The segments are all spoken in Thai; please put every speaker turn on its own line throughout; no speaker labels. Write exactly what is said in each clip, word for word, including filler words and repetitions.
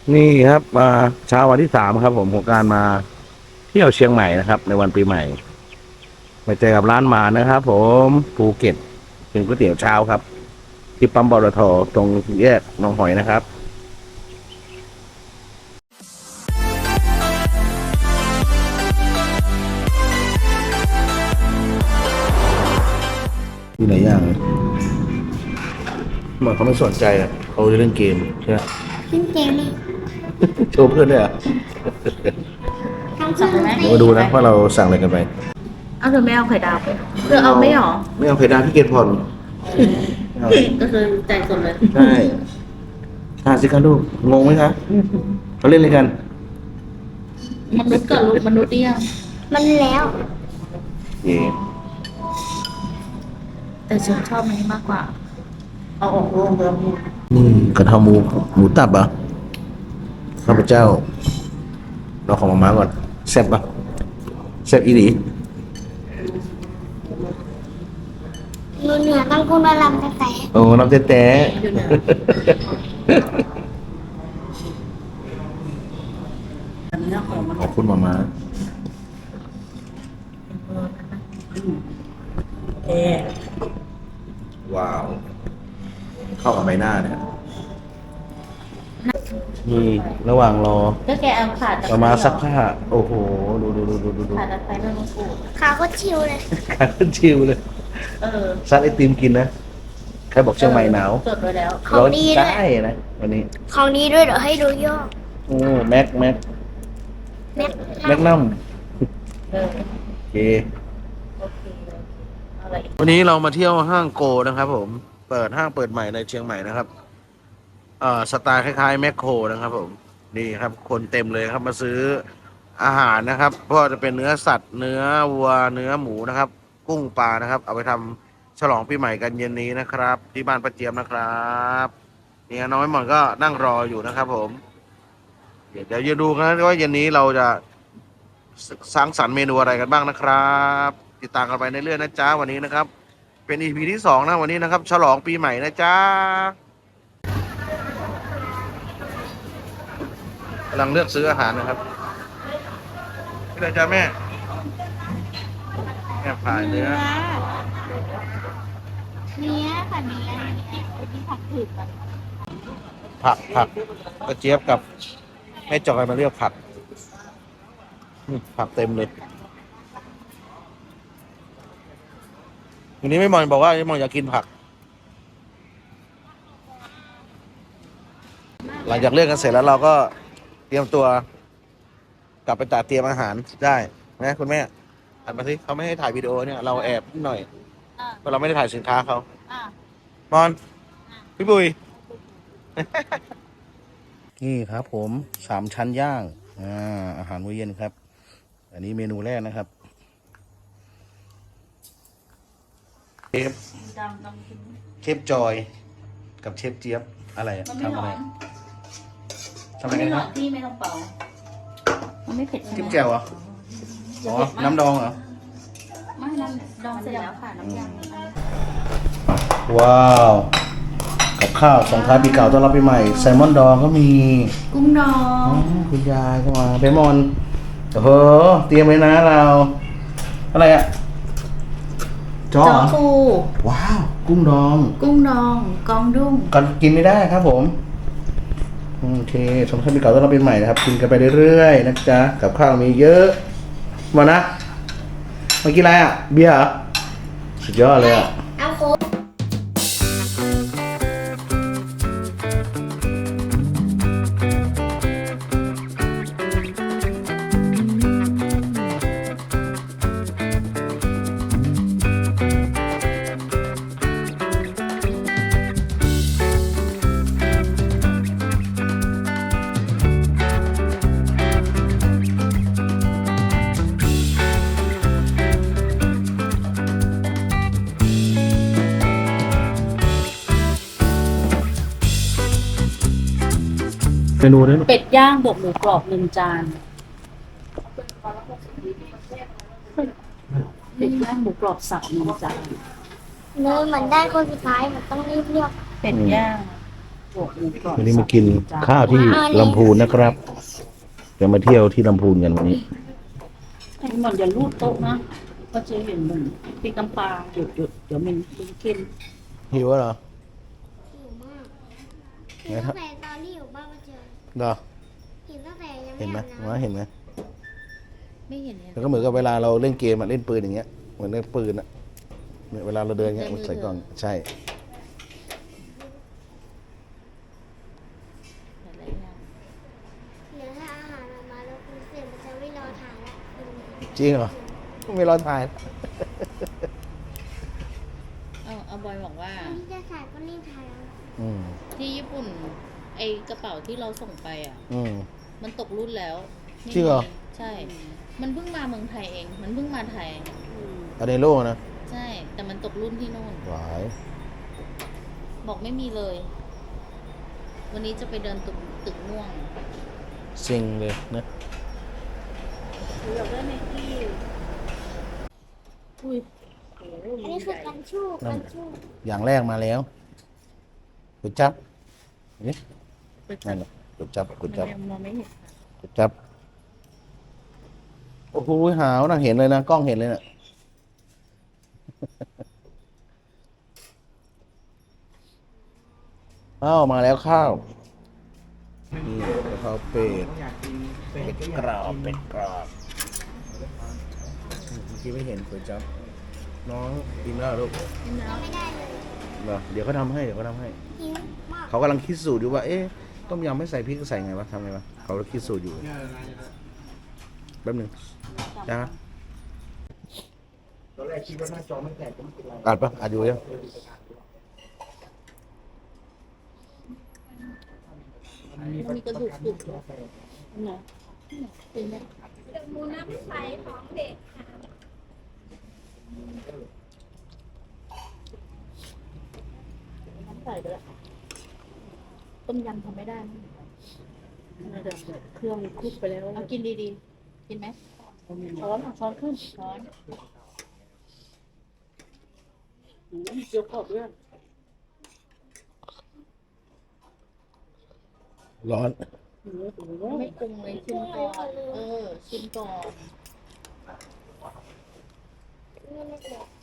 นี่ครับมาเช้าวันที่สามครับผมของการมาเที่ยวเชียงใหม่นะครับในวันปีใหม่ไปเจอกับร้านหมานะครับผมภูเก็ตเป็นก๋วยเตี๋ยวเช้าครับที่ปั๊มปตทตรงแยกหนองหอยนะครับมีหลายอย่างเลยเหมือนเขาไม่สนใจอ่ะเขาจะเล่นเกมใช่ไหม
ขึ้นเกมเลย
โชว์เพื่อนด้วยอ่ะ
ทำสั่งไหม
เดี๋ยวมาดูนะว่าเราสั่งอะไรกันไป
เอาเธอไม่เอาไข่ดาวไปเธอเอาไม่หรอ
ไม่เอาเพดานพี่เกณฑ์ผ่อนไม่เอา
ก็คือจ่ายสดเลย
ใช่อ่านสิครับลูกงงไหมคะเขาเล่นอะไรกัน
มนุษย์กับลูกมนุษย์เดียว
มันแล้ว
เย่
แต่ฉันชอบอันนี้มากกว่า เอาออกรวมเดิม
นี่กระเพราหมูหมูตับเหรอ่ะข้าพเจ้าเราของมาม่าก่อนแซ่บปะแซ่บอีหลี
หนูเหนือต้องพูดว่าลำแต่แต่
โอ้น้ำแต๊ะ
อยู่เนี่ย อันนี้ของมัน
ขอบคุณมาม่า
เอ๊ะ
ว้าว เข้ากับใบหน้าเนี่ยนี่ระหว่างรอ
ก็แกเอาขาด
มาม่าซักผ้าโอ้โหดูดูดูดูดูดู
ขาดตะไคร้ใบมะกรูด
ขาก็ชิวเลย
ขาขึ้นชิวเลย
เออ
ซัดไอติมกินนะใครบอกเชียงใหม่หนาว
จดไว้แล้ว
ของ
ร้อน
ดีด้วย
ได้นะวันนี้
ของดีด้วยเดี๋ยวให้ดูย่อ
โอ้แม็กแม็ก
แม็ก
แม็กนัม
เออ
โอเค
โอเคเอาอะไรอีก
วันนี้เรามาเที่ยวห้างโกนะครับผม เปิดห้างเปิดใหม่ในเชียงใหม่นะครับเอ่อสไตล์คล้ายๆแมคโครนะครับผม นี่ครับ คนเต็มเลยครับมาซื้ออาหารนะครับเพราะว่าจะเป็นเนื้อสัตว์ เนื้อวัว เนื้อหมูนะครับ กุ้งปลานะครับ เอาไปทำฉลองปีใหม่กันเย็นนี้นะครับ ที่บ้านป้าเจียมนะครับเนี่ยน้องไม้หมอนก็นั่งรออยู่นะครับผม เดี๋ยวเดี๋ยวจะดูกันว่าเย็นนี้เราจะสร้างสรรค์เมนูอะไรกันบ้างนะครับ ติดตามกันไปในเรื่อยๆนะจ๊ะวันนี้นะครับ เป็น อี พี ที่สองนะวันนี้นะครับ ฉลองปีใหม่นะจ๊ะกำลังเลือกซื้ออาหารนะครับนี่เลยจ้ะแม่แม่ผ่ายเนื้อ
เนี้ยค่ะเนี้ยที่ผักถือกัน
ผักผักกระเจี๊ยบกับแม่จอยมาเลือกผักอืมผักเต็มเลยวันนี้ไม่มอนบอกว่าไม่มอนอยากกินผัก หลังจากเลือกกันเสร็จแล้วเราก็เตรียมตัว กลับไปตัดเตรียมอาหารได้นะคุณแม่หันมาสิเขาไม่ให้ถ่ายวิดีโอเนี่ยเราแอบนิดหน่อยเพราะเราไม่ได้ถ่ายสินค้าเขา
อ่ะ
มอนพี่บุย นี่ครับผมสามชั้นย่างอ่าอาหารมื้อเย็นครับ อันนี้เมนูแรกนะครับเชฟ
ดำดำกิน
เชฟจอย กับเชฟเจี๊ยบอะไรอะ
มันไม่
ทำ
ร้
อะ
อ
ไร
น
ทำอะ
มัน
ไรกั
ไม่
น
ร้อ
นะ
นที่ไม่ต้องเป่า มันไม่เผ็ดใช่ไหม
จิ้มแจ่วเหรออ๋อน้ำดองเหรอ
ไม่น้ำดองเสร็จแล้วค่ะน้ำยำอันนี้
ว้าวกับข้าวส่งท้ายปีเก่าต้อนรับปีใหม่แซลมอนดองก็มี
กุ้งดอ
อ๋อง คุณยายก็มาเบมอนโอ้โหเตรียมไว้นะเรา อะไรอะจอ
จอ
เหรอ
ปู
ว้าว กุ้งดอง
กุ้งดอง กองดุ้ง
กันกินไม่ได้ครับผมโอเคส่งท้ายปีเก่าต้อนรับปีใหม่นะครับกินกันไปเรื่อยๆนะจ๊ะกับข้าวมีเยอะมานะมากินอะไรอะเบียร์เหรอสุดยอดเลยอะ
เอาโค้ก
เมนูนี้
เป็ดย่างบวกหมูกรอบหนึ่งจานเป็ดย่างหมูกรอบสับหนึ่งจาน
เนื้อเหมือนได้คนสุดท้ายมันต้องรีบเลือก
เป็ดย่างบวกหมูกรอบ
วันนี้มากินข้าวที่ลำพูนนะครับ จะมาเที่ยวที่ลำพูนกันวันนี้
ให้มันอย่าลูดโต๊ะนะก็จะเห็นมันปีกำปลาหยุดหยุดเดี๋ยวมันเป็นกิน
หิวเหรอ
หิวมากหิวตั้งแต่ตอนที่อยู่บ้านมาเจอ
เหรอ
หิวตั้งแต่ยัง
เห็นไหม
ไม่อาบ
ว่า
น้ำ
เห็นไหม
ไม่เห็นเนี่ย
แล้วก็เหมือนกับเวลาเราเล่นเกมอะเล่นปืนอย่างเงี้ยเหมือนเล่นปืนอะเนี่ยเวลาเราเดินเงี้ยมันใส่กล่องใช่
อะไรอย่าง
เดี๋ยวถ้าอาหารออกมาแล้วคุณเสร็จมันจะไม่รอถ่ายละคุณ
จริงเหรอไม่รอถ่าย
เอาเอาบอยบอกว่า
คนที่จะถ่ายก็รีบถ่ายเอา
อืม
ที่ญี่ปุ่นไอกระเป๋าที่เราส่งไปอ่ะ
อืม
มันตกรุ่นแล้วไม่
จริงเหรอ
มีใช่ มันเพิ่งมาเมืองไทยเอง มันเพิ่งมาไทย
อันในโลกนะ
ใช่ แต่มันตกรุ่นที่โน่น
หวาย
บอกไม่มีเลย วันนี้จะไปเดินตึกตึกม่วง
ซิงเลยนะ
อยากได้ไนกี้อุ้ยโอ้โห
อันนี้คือกันชูกกันชูก
อย่างแรกมาแล้วกุดจับนี่
ไปจั
นั่
บ
นแหละกุดจับกุ
มั
ด
น
จับ
ยังมองไม่เห็นค่ะ
กุดจับโอ้โหหาวนะเห็นเลยนะกล้องเห็นเลยนะอ้าวมาแล้วข้าวนี่กะเพราเป็ดเป็ดกรอบเป็ดกรอบเมื่อกี้ไม่เห็นกุดจับน้องกินแล้วเหรอลูก
เราไม่ได้เลย
เหรอเดี๋ยวเขาทำให้เดี๋ยวเขาทำให้
หิวมาก
เขากำลังคิดสูตรอยู่ว่า เอ๊ะ ต้มยำไม่ใส่พริกใส่ไงวะทำไงวะ เขาคิดสูตรอยู่ แป๊บหนึงนะตอนแรกคิดว่าหน้าจอไม่แตกอัดปะอัดอยู่ยัง
มันมีกระดูกกรุบเหรอ
นะ
เป็นไหม
หมูน้ำใสของเด็ก
น้ำใส่ไปแล้วต้มยำทำไม่ได้นะเดี๋ยวเครื่องคลุกไปแล้ว
เอากินดีๆ กินไหม
ช้อนช้อนขึ้น
ช้อน
อืมเจียวกรอบด้วย
ร้อน
โอ้โห
ไม่ปรุงเลยชิมก่อน เออ ชิมก่อน
นี่ไม่เด็ก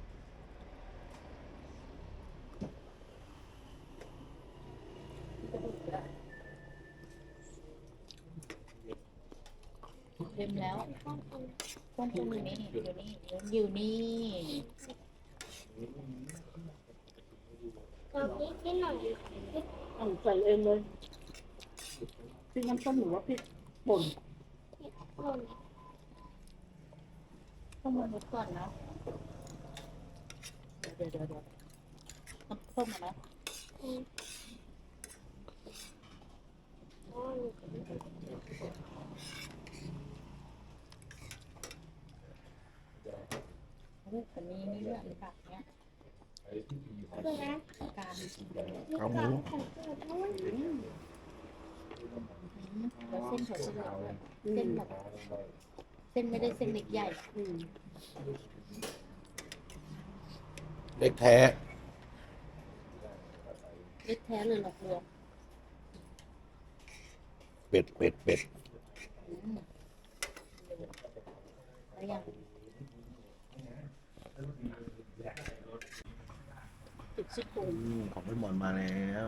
เต็มแล้วต้องปรุงอยู่นี่ อยู่นี่ อยู่นี่
เราพริกนิดหน่อย
เอาใส่เองเลยพริกน้ำส้มหรือว่าพริกป่น
หล่น
ต้องมาลดก่อนนะ
เดี๋ยวเดี๋ยวเดี๋ยว
น้ำส้มอะนะ
อืมอ๋อ
โอ้แต่มีนี่ด้วยผักเนี้ย
คือนะ
การ
เอาหมู
ของเกิดนู้น
แล้วเส้นเขาจะเหลืองด้วยเส้นแบบเส้นไม่ได้เส้นเล็กใหญ่
อืม
เล็กแท้
เล็กแท้เลยหลอกลวง
เป็ดเป็ดเป็ด
อืมแล้วยังติดซี่โครง
อืมของพี่หมอนมาแล้ว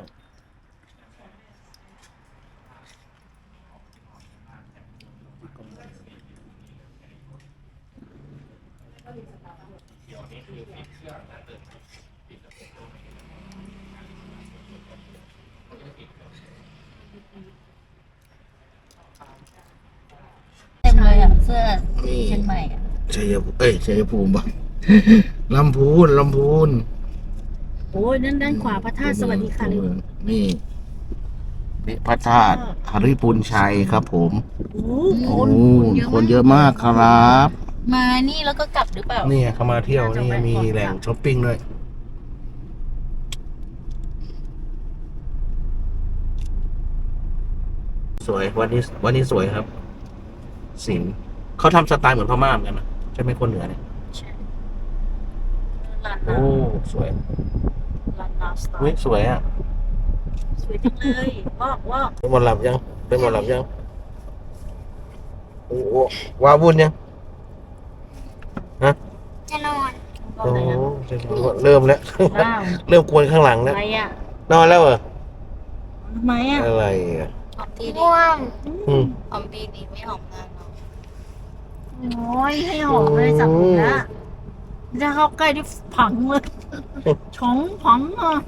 เต็มเลยอ่ะ เสื้อเชียงใหม่อ่ะ
ชัยภูมิเอ้ยชัยภูมิปะ ลำพูนลำพูน
โอ้ยนั่นด้านขวาพระธาตุสวัสดีค่ะเลย
นี่นี่พระธาตุหริปุญชัยครับผม
โอ้
โอ้คนเยอะมากครับ
มานี่แล้วก็กลับหรือเปล่า
นี่เขามาเที่ยวนี่มีแหล่งช้อปปิ้งด้วย สวยวันนี้วันนี้สวยครับ สินเขาทำสไตล์เหมือนพม่าเหมือนกันนะใช่ไหมคนเหนือเนี่ย
ใช่ร้าน
โอ้
น้ำ
สวย
ร้านน้ำสไต
เฮ้ย
ล์
สวยอ่ะ
สวยจังเลยว้าวว้าว
เป็นหมอนหลับยังเป็นหมอนหลับยังโอ้โหว้าวุ่นยังฮะ
จะนอน
ตอน
โอ้
ไหน
โห
อะ
เริ่มแล้ว
ว้าว
เริ่มกวนข้างหลังแล้ว
อะไรอ่ะ
นอนแล้วเหรอ
ทำไมอ่ะ
อะไรอ่ะ
หอมทีดี
ง่วง
อืม
หอมปีดีไม่หอมนานเนาะ
โอ้ยให้หอมเลยจับผมละจะเข้าใกล้ที่ผังเลยช้องผังอ่ะ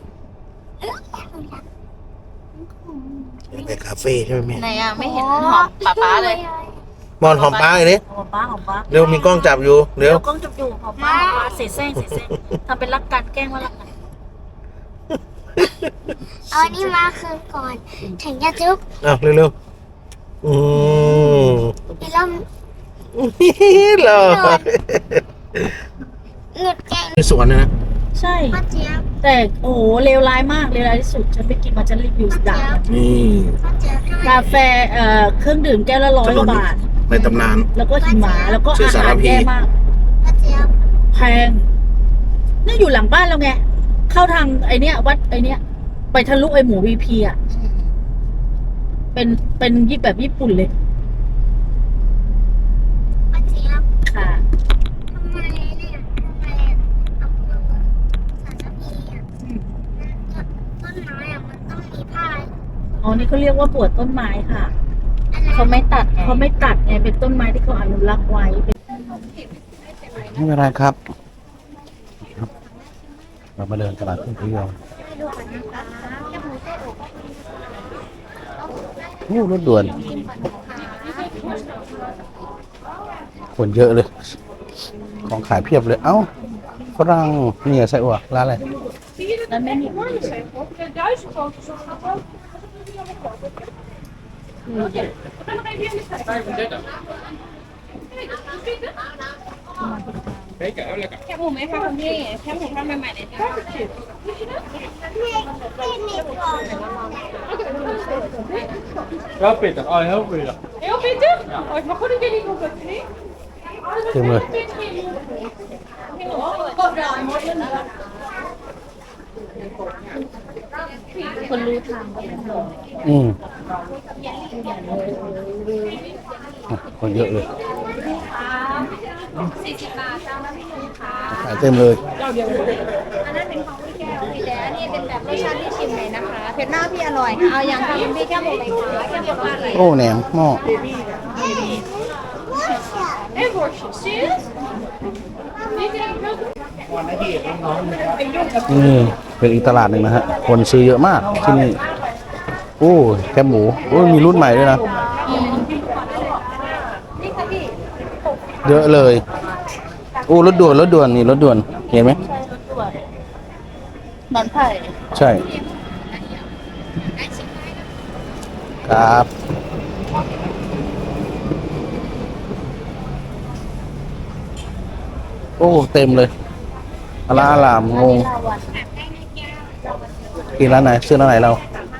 ไปคาเฟ่ใช่ไหมแม่
ไหนอ่ะไม่เห็นหอมป๊าป๊าเลย
บอลหอมป้าเลยดิ
หอมป้าหอมป้า
เร็วมีกล้องจับอยู่เร็
เดี๋
ว
ยวกล้องจับอยู่หอมป้าหอมป้าเสแสร้งเสแสร้งทำเป็นรักกันแกล้งว่ารักกัน
เอาอันนี้มาคืนก่อน ถึงจะจุ๊บ
อ้าวเร็วๆอืม
อีล่ม
เหรอ
หลุดแกง
ในสวนนะนะ
ใช่
ป้าเจี๊ยบ
แต่โอ้โหเลวร้ายมากเลวร้ายที่สุดฉันไปกินมาฉันรีวิวด่า
นี่
ป้าเจี๊ยบทำไม
กาแฟเอ่อเครื่องดื่มแก้วละร้อยกว่าบาท
ในตำนาน
แล้วก็หิมะแล้วก็
ชื่อ
อา
สา
หาร ร
พี
แย่มาก
ป้าเจี๊ยบ
แพงนี่อยู่หลังบ้านเราไง เข้าทางไอเนี้ยวัดไอเนี้ย ไปทะลุไอหมูวีพีอ่ะ เป็นเป็นยี่แบบญี่ปุ่นเลย
ป้าเจี๊ยบ
ค่ะ
ทำไมเนี่ยทำไมเอามือสารพีอ่ะต้นไม้อ่ะมันต้องมีผ้า
อ๋อ นี่เขาเรียกว่าปวดต้นไม้ค่ะ
อะไร
เขาไม่ตัดเขาไม่ตัดไง เป็นต้นไม้ที่เขาอนุรักษ์ไว้เป็น
ไม่เป็นไรครับ เรามาเดินตลาดทุ่งพยองโอ้รถด่วน คนเยอะเลย ของขายเพียบเลย เอ้าฝรั่งนี่ไส้อั่วร้านอะไร
แล้วไม่มี
แคบหมูไหมคะคุณพี่แคบหมูทอดใหม่ๆเลยจ้า
Ja, Peter. Ah, heel veel.
Heel Peter? Oh, ik mag goed een keer niet op het knie.
เต็มเลย
คนรู้ทางก็เป็นหมอ
อืมอ่ะคนเยอะเลยขายเต็มเลย
อันนั้นเป็นของพี่แก้วพี่แดนนี่เป็นแบบรสชาติที่ชิมเลยนะคะเผ็ดมากพี่อร่อยค่ะเอาอย่างค่ะคุณพี่แก้วหมูไหมคะแก้วหมูอะไร
โอ้แหนมหม้อ
เอ้ยบอร์ชิชิสนี่จะ
นี่เป็นอีกตลาดหนึ่งนะฮะ คนซื้อเยอะมากที่นี่ โอ้แคบหมูโอ้มีรุ่นใหม่ด้วยนะ
นี่ค่ะพี่
เยอะเลย โอ้รถด่วนรถด่วนนี่รถด่วน เห็นไหม
นอนไผ่
ใช่ ครับ โอ้เต็มเลยอลาอลามงงกินร้านไหนซื้อร้านไหนเรา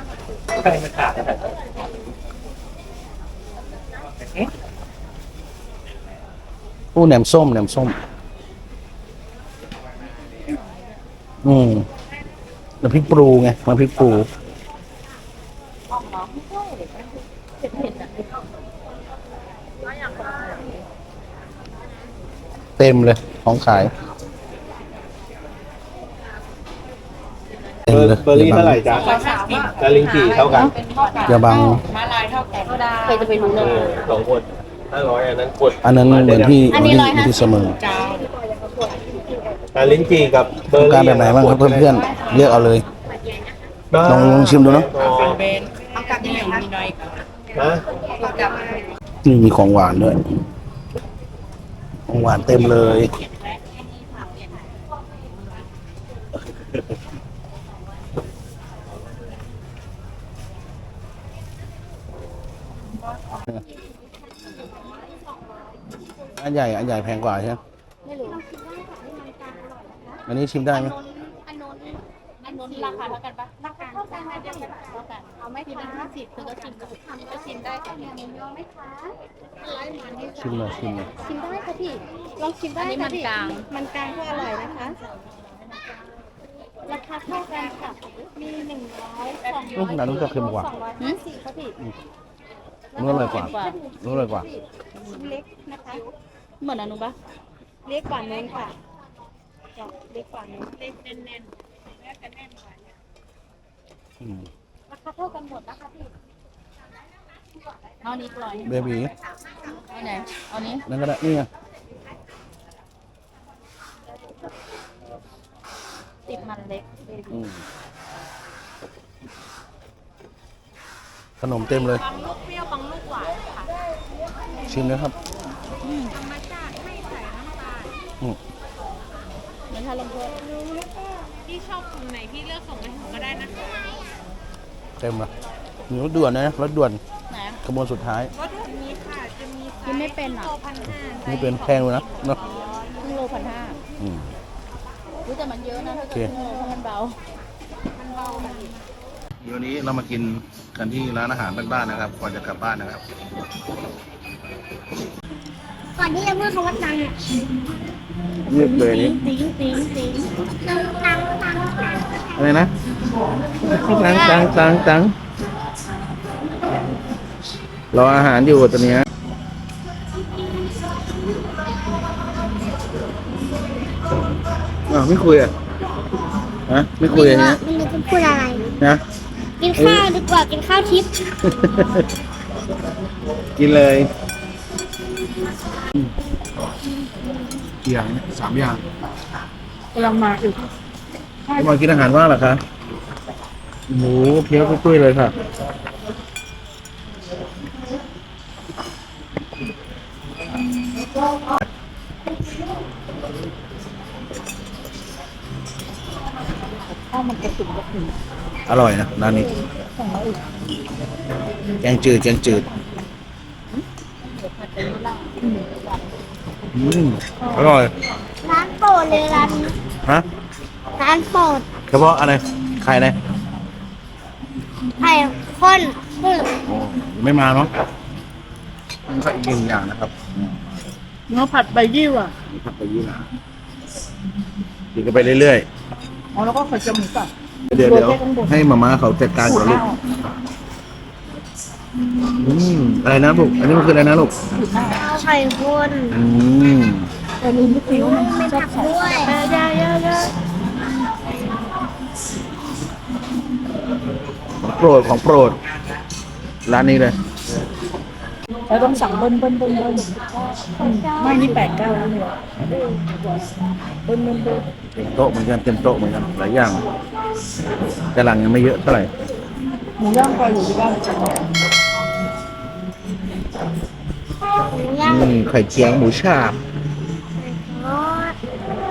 โอ้แหนมส้มแหนมส้ม อืมน้ำพริกปรูไงน้ำพริกปรูเต็มเลยของขายเต็มเลย
เบอร์รี่เท่าไหร่จ๊ะตะลิงกี่เท่ากัน
อย่าบัง
ใครจะไปรู้เลย
สองคนห้าร้อยอันนั้นกด
อันนั้นเหมือนที่ที่ที่เสมอ
ตะลิงกี่กับเบอ
ต้อง
ร์
การ
รี่
แบบไหนบ้างครับเพื่อนๆเลือกเอาเลย ลองลองชิมดูเนอะ
ฮะ
นี่มีของหวานด้วย ของหวานเต็มเลย อันใหญ่ อันใหญ่แพงกว่าใช่ไหม
ไม่รู้
อันนี้ชิมได้ไหม
อันนู้น
อันนู้นราคาเท่ากันปะ
ราคาเท่ากันเท่ากัน
เท่ากัน
เอาไหม
พี่
คะ
เป็นห้าสิบคือก็ชิมก็ทำก็ชิมได้ค่ะ
หมูยอไหมคะ
ชิมหน่อยชิมหน่อย
ชิมได้ค่ะพี่ ลองชิมได้
อันนี้
ค่ะ
มัน
พี่
กลาง
มันกลางก็อร่อยนะคะราคาเท่ากันค่ะมีหนึ่งร้อยสอง
อืมร้านนู้นจะเค็มกว่า
สองร้อยห้าสิบครับพี่
นู้นอร่อยกว่านู้นอร่อยกว่า
เล็กนะคะ
เหมือนอนุปะ
เล็กกว่านู้นค่ะจ้ะเล็กกว่านู้นเล็กแน่นๆแล้วก็แน่นกว่าเนี่ย
อืม
ราคาเท่ากันหมดนะคะพี่
เอานี้กลอย
เบบี
เอาไหนเอานี้
นั่นก็ได้นี่ไง
ติดมันเล็ก
อืมขนมเต็มเลย
บางลูกเปรี้ยวบางลูกหวานค่ะ
ชิมนะครับ
ธรรมชาติไม่ใส่น้ำตาล
อืม
เหมือนทาลงโทษ
พี่ชอบกลุ่มไหนพี่เลือกส่งมาถึงก็ได้นะคะ
เต็มละมีรถด่วนนะรถด่วน
ไหน
ขบวนสุดท้าย
รสด่วนมีค่ะจะมีไซ
กินไม่เป็นอ่ะ
โลพันห้า
นี่เป็นแพงเลยนะเนาะ
ครึ่งโลพันห้า
อืม
รู้แต่มันเยอะนะถ้าเกิดครึ่งโลเพราะมันเบา
มันเบาค่ะ
เดี๋ยวนี้เรามากินกันที่ร้านอาหารบ้านๆนะครับ ก่อนจะกลับบ้านนะครับ
ก่อนที่จะพูดคำว่าตังค์อ่ะ
เรียบเลยนี่
ติ้งติ้งติ้ง
ตังค์ตังค์ตังค์ตังค์
อะไรนะตังตังตังตังรออาหารอยู่ตอนเนี้ยอ้าวไม่คุยอ่ะฮะไม่คุยอันเนี้ย
ไม่รู้จะพูดอะไร
นะ
กินข้าวดีกว่ากินข้าวทิพย์
กินเลยกี่อย่างเนี่ยสามอย่าง
กำลังมาอีก
มากินอาหารว่างเหรอคะหมูเพี้ยวตุ้ยๆเลยค่ะ
ข้าวมันกระตุกกระตุก
อร่อยนะร้านนี้
ของเราอีก
แกงจืดแกงจืด
เดี๋ยวผัดเป็นล่าง
อืมอร่อย
ร้านโปรดเลยร้านนี้
ฮะ
ร้านโปรด
เฉพาะอะไรใครนะ
ไข่ข้นพึ่ง
โอ้ไม่มาเนาะมันก็อีกหนึ่งอย่างนะครับ
เนื้อผัดใบยี่ว่ะ
มีผักไปยี่หร่ากินกันไปเรื่อย
อ๋อแล้วก็ไข่จมูกอ่ะ
ๆ เดี๋ยวเดี๋ยวให้มาม่าเขาจัดการก่อนลูกอืมอะไรนะลูกอันนี้มันคืออะไรนะลูก
เอาไข่ข้น
อืม
แต่ลืมไม่คิ้วมัน
ไม่ผักด้วย
ของโปรดของโปรด ร้านนี้เลย
แล้วต้องสั่งเบิ้ลเบิ้ลเบิ้ลเบิ้ลไม่นี่แปดเก้าแล้วเนี่ยเบิ้ลเบิ้ลเบิ้ล
เต็มโต๊ะเหมือนกันเต็มโต๊ะเหมือนกันหลายอย่าง แต่หลังยังไม่เยอะเท่าไหร่
หมูย่างคอยอยู่ที่บ้าน
ย่าง
อืมไข่เจียวหมูฉาบ
ทอด